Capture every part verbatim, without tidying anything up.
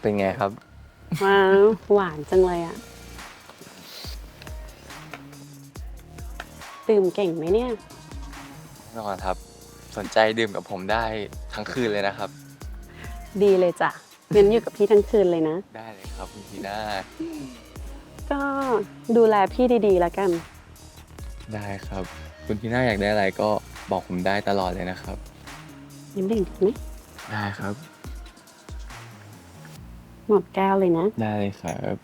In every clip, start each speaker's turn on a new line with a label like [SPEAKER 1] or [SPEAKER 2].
[SPEAKER 1] เป็นไงครับ
[SPEAKER 2] ว้าวหวานจังเลยอะดื่มเก่งไหมเนี่ย
[SPEAKER 1] แน่นอนครับสนใจดื่มกับผมได้ทั้งคืนเลยนะครับ
[SPEAKER 2] ดีเลยจ้ะงั้นอยู่กับพี่ทั้งคืนเลยนะ
[SPEAKER 1] ได้เลยครับคุณทีน่า
[SPEAKER 2] ก็ดูแลพี่ดีๆแล้วกัน
[SPEAKER 1] ได้ครับคุณทีน่าอยากได้อะไรก็บอกผมได้ตลอดเลยนะครับ
[SPEAKER 2] ยิ้มเด่งดีไหม
[SPEAKER 1] ได้ครับ
[SPEAKER 2] หมดแก้วเลยนะ
[SPEAKER 1] ได้เลยครับ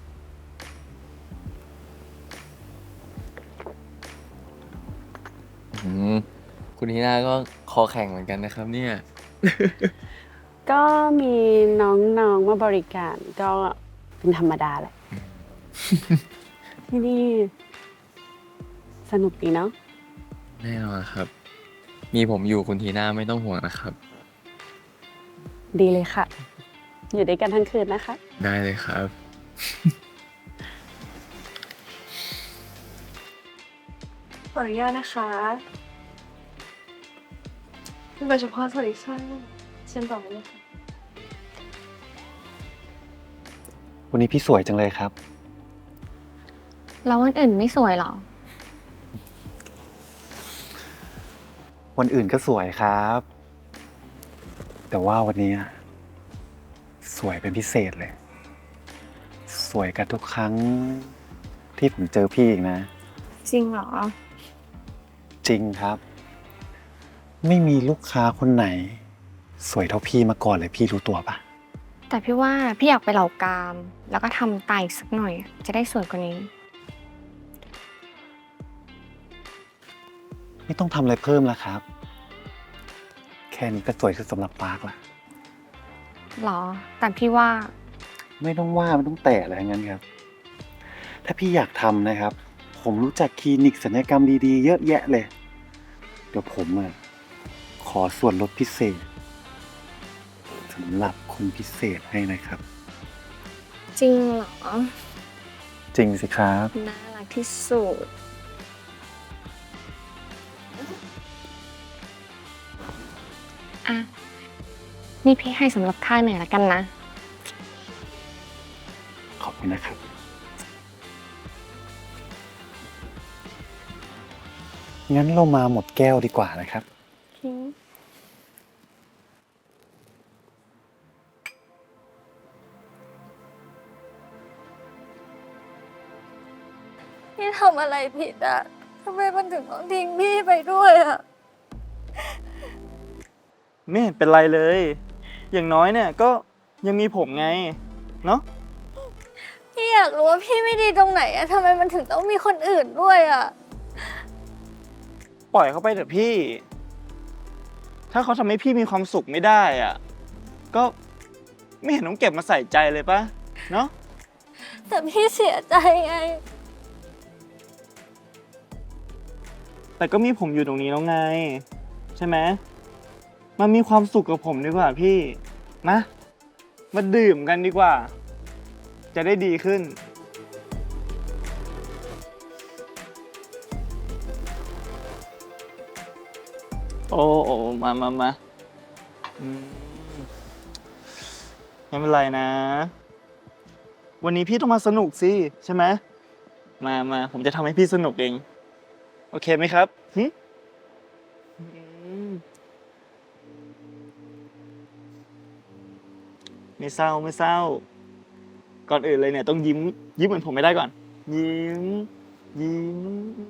[SPEAKER 1] อืมคุณทีน่าก็คอแข็งเหมือนกันนะครับเนี่ย
[SPEAKER 2] ก็มีน้องๆมาบริการก็เป็นธรรมดาแหละ ที่นี่สนุกดีเนาะ
[SPEAKER 1] แน่นอนครับมีผมอยู่คุณทีน่าไม่ต้องห่วงนะครับ
[SPEAKER 2] ดีเลยค่ะอยู่ด้วยกันทั้งคืนนะคะ
[SPEAKER 1] ได้เลยครับ
[SPEAKER 3] ขออนุญาตนะคะโดยเฉพาะสวัสดีค่ะเชิญต่อเลยค่ะ
[SPEAKER 4] วันนี้พี่สวยจังเลยครับ
[SPEAKER 5] แล้ววันอื่นไม่สวยหรอ
[SPEAKER 4] วันอื่นก็สวยครับ แต่ว่าวันนี้สวยเป็นพิเศษเลย สวยกับทุกครั้งที่ผมเจอพี่อีกนะ
[SPEAKER 5] จริงเหรอ
[SPEAKER 4] จริงครับ ไม่มีลูกค้าคนไหน สวยเท่าพี่มาก่อนเลยพี่รู้ตัวปะ
[SPEAKER 5] แต่พี่ว่าพี่อยากไปเหล่ากามแล้วก็ทำไตสักหน่อยจะได้สวยกว่านี้
[SPEAKER 4] ไม่ต้องทำอะไรเพิ่มแล้วครับ แค่นี้ก็สวยสุดสำหรับปาร์คละ
[SPEAKER 5] หรอแต่พี่ว่า
[SPEAKER 4] ไม่ต้องว่าไม่ต้องแตะอะไรงั้นครับ ถ้าพี่อยากทำนะครับ ผมรู้จักคลินิกศัลยกรรมดีๆเยอะแยะเลย เดี๋ยวผมอ่ะขอส่วนลดพิเศษสำหรับคนพิเศษให้นะครับ
[SPEAKER 5] จริงเหรอ
[SPEAKER 4] จริงสิครับ
[SPEAKER 5] น่ารักที่สุดอ่ะนี่พี่ให้สำหรับค่าเหนื่อยแล้วกันนะ
[SPEAKER 4] ขอบคุณนะครับงั้นเรามาหมดแก้วดีกว่านะครับ
[SPEAKER 3] พี่ทำอะไรผิดอะทำไมมันถึงต้องทิ้งพี่ไปด้วยอะ
[SPEAKER 6] ไม่เห็นเป็นไรเลย อย่างน้อยเนี่ยก็ยังมีผมไง เนาะ
[SPEAKER 3] พี่อยากรู้ว่าพี่ไม่ดีตรงไหนอะทำไมมันถึงต้องมีคนอื่นด้วยอะ
[SPEAKER 6] ปล่อยเขาไปเถอะพี่ ถ้าเขาทำให้พี่มีความสุขไม่ได้อ่ะ ก็ไม่เห็นต้องเก็บมาใส่ใจเลยปะเนาะ
[SPEAKER 3] แต่พี่เสียใจไง
[SPEAKER 6] แต่ก็มีผมอยู่ตรงนี้แล้วไง ใช่ไหมมันมีความสุขกับผมดีกว่าพี่นะมาดื่มกันดีกว่า จะได้ดีขึ้นโอ้โอ้มามามาไม่เป็นไรนะ วันนี้พี่ต้องมาสนุกสิใช่ไหมมามาผมจะทำให้พี่สนุกเองโอเคไหมครับหึไม่เศร้าไม่เศร้าก่อนอื่นเลยเนี่ยต้องยิ้มยิ้มเหมือนผมไม่ได้ก่อนยิ้มยิ้ม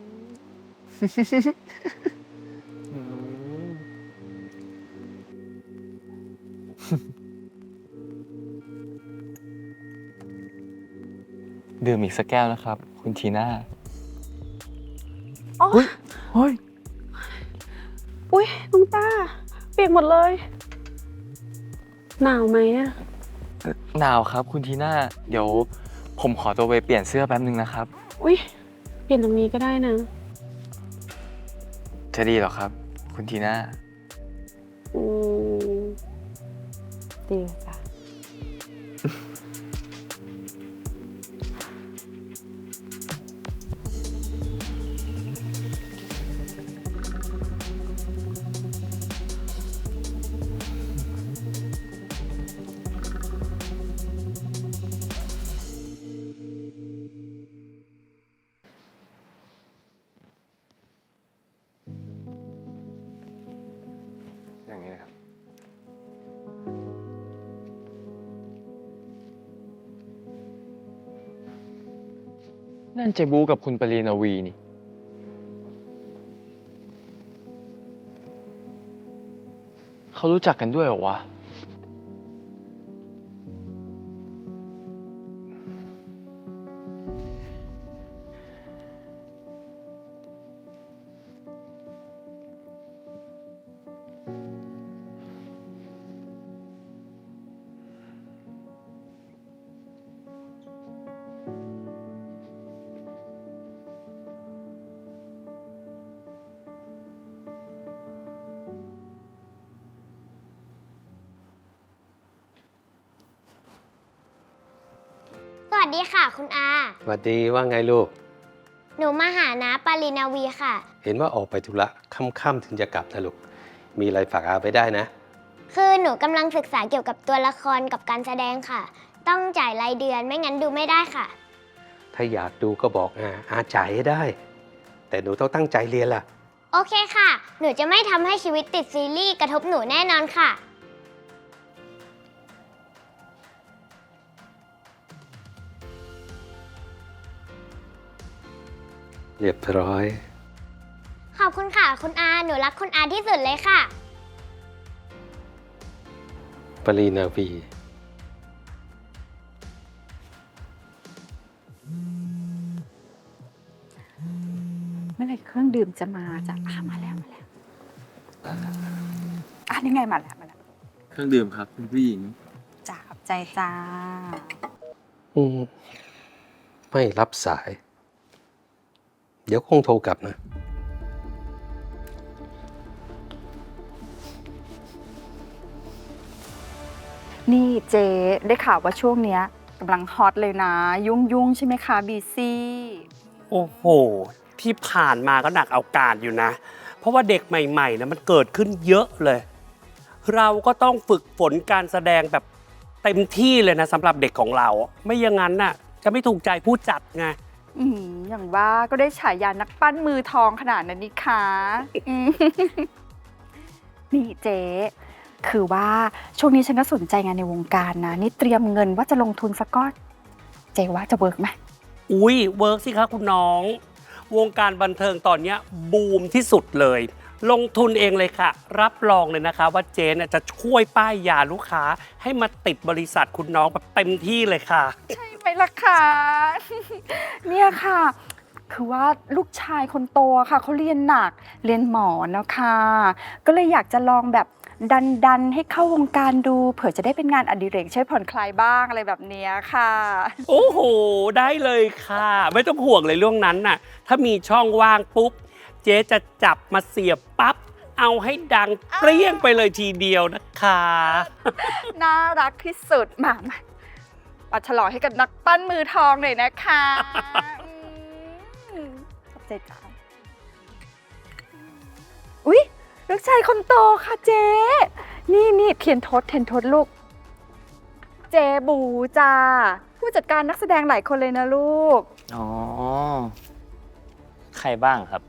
[SPEAKER 1] ดื่มอีกสักแก้วนะครับคุณทีน่า
[SPEAKER 6] เฮ้ยเฮ้ย
[SPEAKER 2] อุ้ยน้องต้าเปียกหมดเลยหนาวไหมอะ
[SPEAKER 1] หนาวครับคุณทีน่าเดี๋ยวผมขอตัวไปเปลี่ยนเสื้อแป๊บนึงนะครับ
[SPEAKER 2] อุ้ยเปลี่ยนตรงนี้ก็ได้นะ
[SPEAKER 1] จะดีหรอครับคุณทีน่า
[SPEAKER 2] อืมดีจ้ะ
[SPEAKER 1] นั่นเจบูกับคุณปรีนาวีนี่ เขารู้จักกันด้วยเหรอวะ
[SPEAKER 7] สวัสดีค่ะคุณอา
[SPEAKER 8] สวัสดีว่าไงลูก
[SPEAKER 7] หนูมาหาน้าปารินาวีค่ะ
[SPEAKER 8] เห็นว่าออกไปธุระค่ำๆถึงจะกลับนะลูก มีอะไรฝากอาไปได้นะ
[SPEAKER 7] คือหนูกำลังศึกษาเกี่ยวกับตัวละครกับการแสดงค่ะ ต้องจ่ายรายเดือนไม่งั้นดูไม่ได้ค่ะ
[SPEAKER 8] ถ้าอยากดูก็บอกอาอาจ่ายให้ได้ แต่หนูต้องตั้งใจเรียนล่ะ
[SPEAKER 7] โอเคค่ะ หนูจะไม่ทำให้ชีวิตติดซีรีส์กระทบหนูแน่นอนค่ะ
[SPEAKER 8] เรียบร้อย
[SPEAKER 7] ขอบคุณค่ะ คุณอา หนูรักคุณอาที่สุดเลยค่ะ
[SPEAKER 8] ปรีนาวี
[SPEAKER 2] เมื่อไหร่เครื่องดื่มจะมาจะอ่ะมาแล้วมาแล้วอ่ะนี่ไงมาแล้วมาแล้ว
[SPEAKER 1] เครื่องดื่มครับคุณผู้หญิง
[SPEAKER 2] จ้าขอบใจจ้า
[SPEAKER 8] อืมไม่รับสาย เดี๋ยวคงโทรกลับนะ
[SPEAKER 2] นี่เจ๊ได้ข่าวว่าช่วงเนี้ยกำลังฮอตเลยนะ ยุ่งยุ่งๆใช่ไหมคะบีซี่
[SPEAKER 9] โอ้โห ที่ผ่านมาก็หนักเอาการอยู่นะ เพราะว่าเด็กใหม่ๆนะมันเกิดขึ้นเยอะเลย เราก็ต้องฝึกฝนการแสดงแบบเต็มที่เลยนะสำหรับเด็กของเรา ไม่อย่างนั้นน่ะจะไม่ถูกใจผู้จัดไง
[SPEAKER 2] อืมอย่างว่าก็ได้ฉายานักปั้นมือทองขนาดนั้นนี่คะอืม นี่เจ๊คือว่าช่วงนี้ฉันก็สนใจงานในวงการนะ นี่เตรียมเงินว่าจะลงทุนสักก้อนเจ๊ว่าจะเวิร์กไหม
[SPEAKER 9] อุ้ยเวิร์กสิคะคุณน้อง วงการบันเทิงตอนเนี้ยบูมที่สุดเลย ลงทุนเองเลยค่ะ รับรองเลยนะคะว่าเจนจะช่วยป้ายยาลูกค้าให้มาติดบริษัทคุณน้องแบบเต็มที่เลยค่ะ
[SPEAKER 2] ใช่ไหมล่ะคะ เนี่ยค่ะ คือว่าลูกชายคนโตค่ะเขาเรียนหนักเรียนหมอนะคะก็เลยอยากจะลองแบบดันดันให้เข้าวงการดูเผื่อจะได้เป็นงานอดิเรกช่วยผ่อนคลายบ้างอะไรแบบเนี้ยค่ะ
[SPEAKER 9] โอ้โห ได้เลยค่ะ ไม่ต้องห่วงเลยเรื่องนั้นน่ะ ถ้ามีช่องว่างปุ๊บ เจ๊จะจับมาเสียบปั๊บ เอาให้ดังเปรี้ยงไปเลยทีเดียวนะคะ
[SPEAKER 2] น่ารักที่สุดมามาปัดฉลองให้กับนักปั้นมือทองหน่อยนะคะอืมขอบใจจ้าอุ๊ยลูกชายคนโตค่ะเจ๊นี่นี่เทียนทศเทียนทศลูก เจบูจ้าผู้จัดการนักแสดงหลายคนเลยนะลูก
[SPEAKER 10] อ๋อ ใครบ้างครับ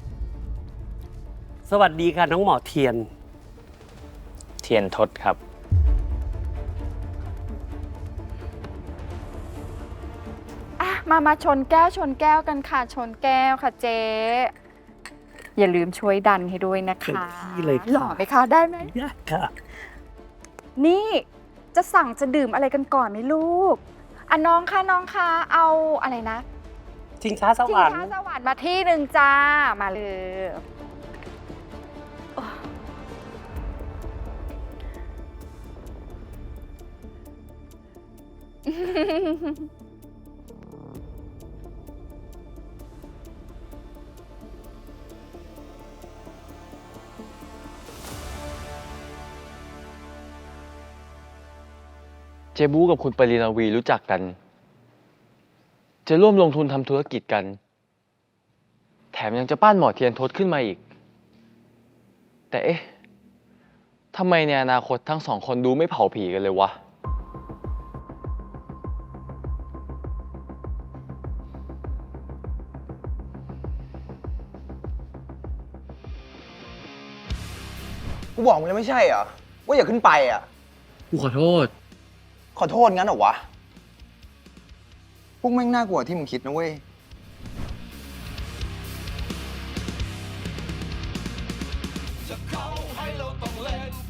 [SPEAKER 9] สวัสดีค่ะน้องหมอเทียน
[SPEAKER 10] เทียนทศครับ
[SPEAKER 2] อ่ะมามาชนแก้วชนแก้วกันค่ะชนแก้วค่ะเจ๊อย่าลืมช่วยดันให้ด้วยนะคะ
[SPEAKER 9] เต็มที่เลยค่ะ
[SPEAKER 2] หล่อไหมคะได้ไหม
[SPEAKER 9] ยากค่ะ
[SPEAKER 2] นี่จะสั่งจะดื่มอะไรกันก่อนไหมลูกอ่ะน้องคะน้องคะเอาอะไรนะ
[SPEAKER 9] ชิงช้าส
[SPEAKER 2] ชิง
[SPEAKER 9] วรรค์
[SPEAKER 2] ช้าสวรรค์มาที่หนึ่งจ้ามาเลยโอ้
[SPEAKER 1] เจบูกับคุณปรีนาวีรู้จักกัน จะร่วมลงทุนทำธุรกิจกัน แถมยังจะปั้นหมอเทียนทศขึ้นมาอีก แต่เอ๊ะทำไมในอนาคตทั้งสองคนดูไม่เผาผีกันเลยวะ
[SPEAKER 11] กูบอกมึงแล้วไม่ใช่เหรอ ว่าอย่าขึ้นไปอ่ะ
[SPEAKER 1] กูขอโทษ
[SPEAKER 11] ขอโทษงั้นเหรอวะ พวกแม่งน่ากลัวที่มึงคิดนะเว้ย
[SPEAKER 12] จะเขาให้เราต้องเล่น